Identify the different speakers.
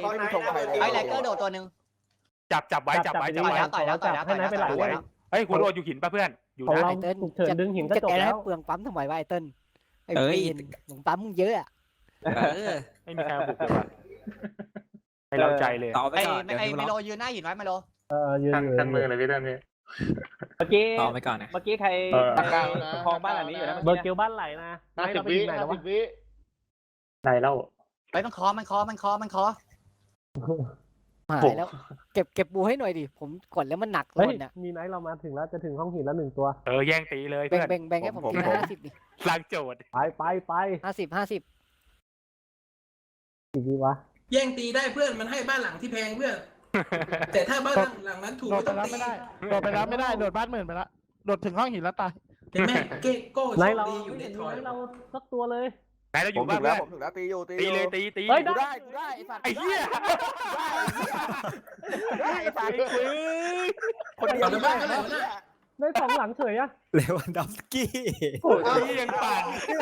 Speaker 1: ไม่มีธงใครเลย
Speaker 2: ไอ้ไลเกอร์โดดตัวนึง
Speaker 3: จับไว้
Speaker 2: ต่อยแล้วต่อยแล้วต่อยแล้ว
Speaker 4: ให้นายไปไหลเลย
Speaker 3: เฮ้ยคุณโรดอยู่หินป่ะเพื่อนอยู่
Speaker 4: ของ
Speaker 3: นะ
Speaker 4: เรา
Speaker 5: ไอ้เติ้ล
Speaker 4: ฉุกเฉินดึงหินก็
Speaker 5: จะ
Speaker 4: จบ
Speaker 5: แก
Speaker 4: แล้
Speaker 5: ให้
Speaker 4: ว
Speaker 5: เปลืองปั๊มทำไมวะไอ้เติ้ลไอ้
Speaker 6: เอ้ย
Speaker 5: ปีนหลงปั๊มมึงเยอะอะ
Speaker 3: ไม่มีใครมาบุกเลยว่ะให้เราใจเลย
Speaker 6: ต่อไป
Speaker 2: ไอ้
Speaker 6: ก่อน
Speaker 2: ไอ้ไมโลยืนหน้าหินไว้ไมโล
Speaker 4: ยืน
Speaker 7: ทันมือเลยพี่เต้นนี่
Speaker 4: เมื่อกี้
Speaker 6: ต่อไปก่อนนะ
Speaker 4: เมื่อกี้ใคร
Speaker 7: ตะกร้า
Speaker 4: คลองบ้านหลังนี้อยู่นะเบอร์เกลบ้านไหลนะ
Speaker 7: 50 วิ50 วิไหนเล่า
Speaker 2: ไปมันคอ
Speaker 5: หายแล้วเก็บบูให้หน่อยดิผมกดแล้วมันหนักห
Speaker 4: เฮ้ย
Speaker 5: มดเนี่ย
Speaker 4: มีไนท์เรามาถึงแล้วจะถึงห้องหินแล้ว1 ตัว
Speaker 3: แย่งตีเลย
Speaker 5: แบ่
Speaker 3: เพื่
Speaker 5: ง
Speaker 3: อน
Speaker 5: แบ่งให้ผมทีละ50ดิ
Speaker 3: สร้างโจทย์
Speaker 4: ไป
Speaker 5: 50
Speaker 4: กี่วิวะ
Speaker 8: แย่งตีได้เพื่อนมันให้บ้านหลังที่แพงเพื่อน แต่ถ้าบ้านหลังนั้นถูก
Speaker 9: โด
Speaker 8: ไม่
Speaker 9: ด
Speaker 8: ต้
Speaker 9: ไป
Speaker 8: อง
Speaker 9: รับ
Speaker 8: ตี
Speaker 9: ไม่ได้โดดไปรับไม่ได้โดดบ้านหมื่นไปละโดดถึงห้องหินแล้วตาย
Speaker 8: เห็นไหมเก้โก้โช
Speaker 4: ไน
Speaker 8: ค
Speaker 4: ท์เรา
Speaker 8: ดีอยู่ในถอย
Speaker 4: ไนท์เราสักตัวเลย
Speaker 3: ไหนเราอ
Speaker 1: ผม
Speaker 3: ยู่
Speaker 1: ถึ
Speaker 3: บ้าง
Speaker 1: แล้ว
Speaker 3: เพื่อน
Speaker 1: ผมถึงแล้วตีอยู่
Speaker 3: ตีเลยตี
Speaker 4: เฮ้ย
Speaker 1: กูได้ไอ้สัตว์
Speaker 3: ไอ้เหี้ย
Speaker 1: ได้ไอ้สัตว์คนเดียว
Speaker 8: เอาในบ้านก็ได้
Speaker 4: ได้2 หลังเฉยอะ
Speaker 6: เลวันดอฟสกี้
Speaker 3: นี่ยังปั่น